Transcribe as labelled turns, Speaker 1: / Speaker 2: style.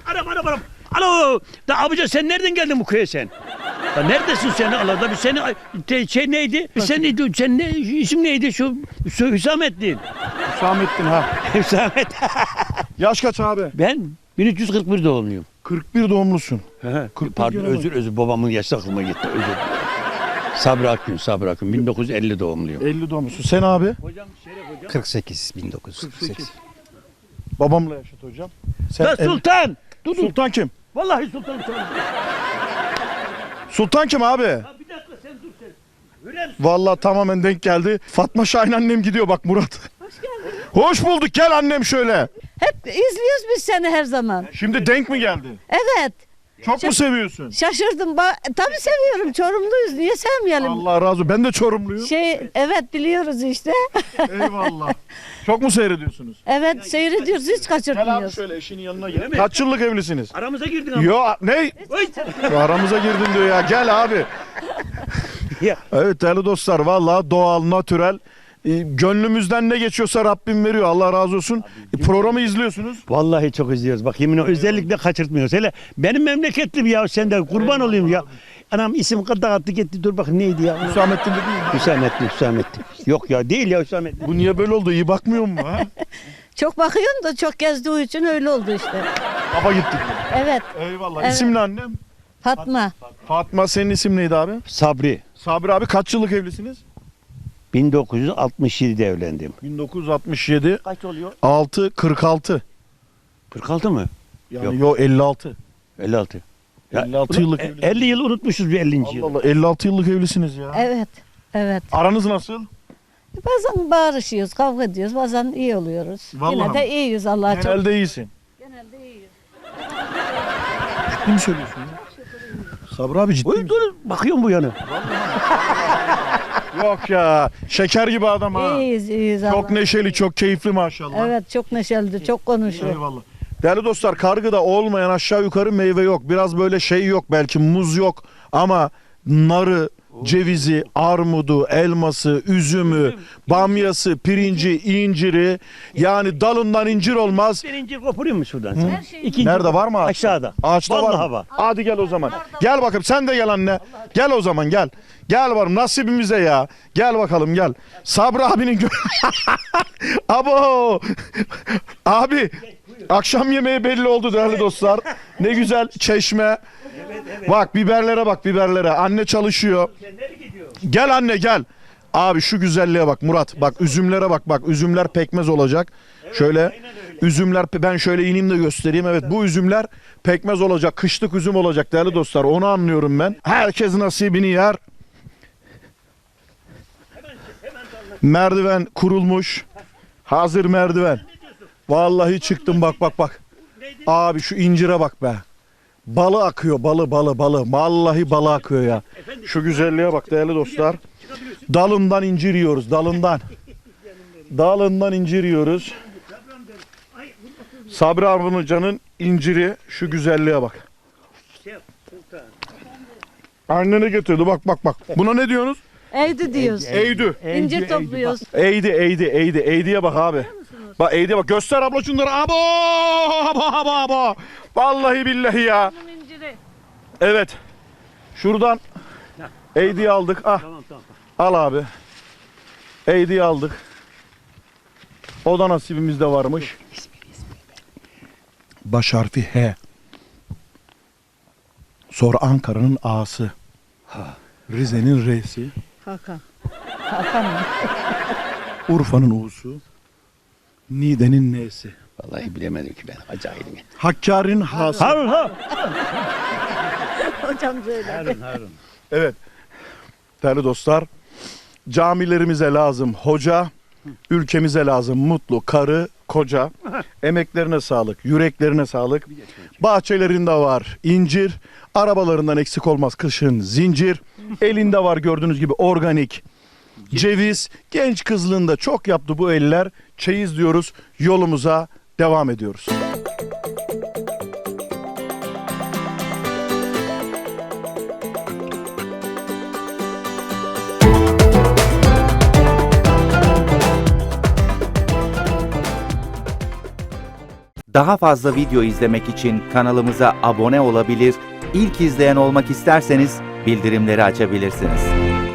Speaker 1: Aram. Alo. Da abica sen nereden geldin bu köye sen? Ya neredesin sen? Allah da bir seni şey neydi? Sen neydi? Sen ne isim neydi şu Hüsamettin?
Speaker 2: Hüsamettin ha.
Speaker 1: Hüsamet.
Speaker 2: Yaş kaç abi?
Speaker 1: Ben 1341 doğumluyum.
Speaker 2: 41 doğumlusun.
Speaker 1: Pardon özür babamın yaşı aklıma gitti. Özür dilerim. Sabri Akın 1950 doğumluyum.
Speaker 2: 50 doğumlusun. Sen abi?
Speaker 1: Hocam Şeref hocam.
Speaker 3: 48 1948.
Speaker 2: Babamla yaşat hocam. Sen
Speaker 1: La Sultan.
Speaker 2: Sultan kim?
Speaker 1: Vallahi Sultan.
Speaker 2: Sultan kim abi?
Speaker 1: Ya bir dakika sen dur sen. Hürrem.
Speaker 2: Vallahi tamamen denk geldi. Fatma Şahin annem gidiyor bak Murat.
Speaker 4: Hoş geldin.
Speaker 2: Hoş bulduk, gel annem şöyle.
Speaker 4: Hep izliyoruz biz seni her zaman.
Speaker 2: Şimdi denk mi geldi?
Speaker 4: Evet.
Speaker 2: Çok mu seviyorsun?
Speaker 4: Şaşırdım. Tabii seviyorum. Çorumluyuz. Niye sevmeyelim?
Speaker 2: Allah razı olsun. Ben de Çorumluyum.
Speaker 4: Evet biliyoruz işte.
Speaker 2: Eyvallah. Çok mu seyrediyorsunuz?
Speaker 4: Evet seyrediyoruz. Hiç
Speaker 2: Gel abi
Speaker 4: kaçırmıyoruz.
Speaker 2: şöyle eşinin yanına gel.
Speaker 1: mi?
Speaker 2: Kaç yıllık evlisiniz?
Speaker 1: Aramıza girdin ama.
Speaker 2: Yo ne?
Speaker 1: Oy.
Speaker 2: Aramıza girdin diyor ya. Gel abi.
Speaker 1: Ya.
Speaker 2: Evet değerli dostlar, vallahi doğal, natürel. Gönlümüzden ne geçiyorsa Rabbim veriyor. Allah razı olsun. Programı izliyorsunuz.
Speaker 1: Vallahi çok izliyoruz. Bak yemin özellikle kaçırtmıyoruz. Hele benim memleketlim ya sen de kurban olayım ya. Anam isim dağıttı gitti dur bakın neydi ya?
Speaker 2: Hüsamettin dedi mi?
Speaker 1: Hüsamettin. Yok ya değil ya Hüsamettin.
Speaker 2: Bu niye böyle oldu? İyi bakmıyor mu? Ha?
Speaker 4: Çok bakıyorum da çok gezdiği için öyle oldu işte.
Speaker 2: Baba gittik.
Speaker 4: Evet.
Speaker 2: Eyvallah.
Speaker 4: Evet.
Speaker 2: İsim ne annem?
Speaker 4: Fatma.
Speaker 2: Fatma, senin isim neydi abi?
Speaker 1: Sabri.
Speaker 2: Sabri abi, kaç yıllık evlisiniz?
Speaker 1: 1967'de evlendim.
Speaker 2: 1967.
Speaker 1: Kaç oluyor?
Speaker 2: 46.
Speaker 1: 46 mı?
Speaker 2: Yani
Speaker 1: Yok.
Speaker 2: yo 56.
Speaker 1: 56.
Speaker 2: 56 yıllık evlisiniz.
Speaker 1: 50 yıl unutmuşuz bir 50.
Speaker 2: Allah
Speaker 1: yıl.
Speaker 2: Allah, 56 yıllık evlisiniz ya.
Speaker 4: Evet. Evet.
Speaker 2: Aranız nasıl?
Speaker 4: Bazen bağırışıyoruz, kavga ediyoruz. Bazen iyi oluyoruz.
Speaker 2: Vallahi
Speaker 4: Yine de
Speaker 2: mi?
Speaker 4: iyiyiz Allah'a çok.
Speaker 2: Genelde iyisin.
Speaker 4: Genelde iyiyiz.
Speaker 2: Ciddi mi söylüyorsun ya? Sabri abi ciddi
Speaker 1: Oy
Speaker 2: mi?
Speaker 1: dur bakıyorum bu yana.
Speaker 2: Yok ya. Şeker gibi adam ha.
Speaker 4: İyiyiz
Speaker 2: Çok
Speaker 4: Allah'a.
Speaker 2: neşeli, çok keyifli maşallah.
Speaker 4: Evet çok neşelidir, çok konuşuyor.
Speaker 2: Eyvallah. Değerli dostlar, kargıda olmayan aşağı yukarı meyve yok. Biraz böyle şey yok, belki muz yok ama narı, cevizi, armudu, elması, üzümü, bamyası, pirinci, inciri, yani dalından incir olmaz.
Speaker 1: Bir incir koparayım mı şuradan sen?
Speaker 4: Her şey-
Speaker 1: İkinci
Speaker 2: Nerede var mı ağaçta?
Speaker 1: Aşağıda.
Speaker 2: Ağaçta var
Speaker 1: Vallahi
Speaker 2: mı?
Speaker 1: var.
Speaker 2: Hadi gel o zaman. Gel bakayım, sen de gel anne. Gel o zaman gel. Gel varım nasibimize ya. Gel bakalım gel. Sabri abinin Abo. Abi. Akşam yemeği belli oldu değerli dostlar. Ne güzel çeşme. Bak biberlere bak biberlere. Anne çalışıyor. Gel anne gel. Abi şu güzelliğe bak Murat. Bak üzümlere bak bak. Üzümler pekmez olacak. Şöyle üzümler, ben şöyle ineyim de göstereyim. Evet bu üzümler pekmez olacak. Kışlık üzüm olacak değerli dostlar. Onu anlıyorum ben. Herkes nasibini yer. Merdiven kurulmuş. Hazır merdiven. Vallahi çıktım bak bak bak. Abi şu incire bak be. Balı akıyor balı. Vallahi balı akıyor ya. Şu güzelliğe bak değerli dostlar. Dalından incir yiyoruz dalından. Dalından incir yiyoruz. Sabri Arvuncan'ın inciri, şu güzelliğe bak. Annene getirdi bak bak bak. Buna ne diyorsunuz?
Speaker 4: Eğdi diyoruz.
Speaker 2: Eğdü.
Speaker 4: İncir topluyoruz.
Speaker 2: Eğdiye bak abi. Bak eğdiye bak, göster abla şunları. Abo. Vallahi billahi ya. Evet. Şuradan eğdiye aldık. Ah.
Speaker 1: Tamam.
Speaker 2: Al abi. Eğdiye aldık. O da nasibimizde varmış. Baş harfi H. Sonra Ankara'nın A'sı. Rize'nin R'si.
Speaker 4: Hakan. Hakan mı?
Speaker 2: Urfa'nın U'su. Niğde'nin N'si.
Speaker 1: Vallahi bilemedim ki ben. Acayibim.
Speaker 2: Hakkari'nin H'sı.
Speaker 1: Harun.
Speaker 4: Hocam söyle.
Speaker 1: Harun.
Speaker 2: Evet. Değerli dostlar, camilerimize lazım hoca, ülkemize lazım mutlu karı, koca. Emeklerine sağlık, yüreklerine sağlık. Bahçelerinde var incir, arabalarından eksik olmaz kışın zincir. Elinde var gördüğünüz gibi organik ceviz. Genç kızlığında çok yaptı bu eller. Çeyiz diyoruz, yolumuza devam ediyoruz.
Speaker 5: Daha fazla video izlemek için kanalımıza abone olabilir, ilk izleyen olmak isterseniz bildirimleri açabilirsiniz.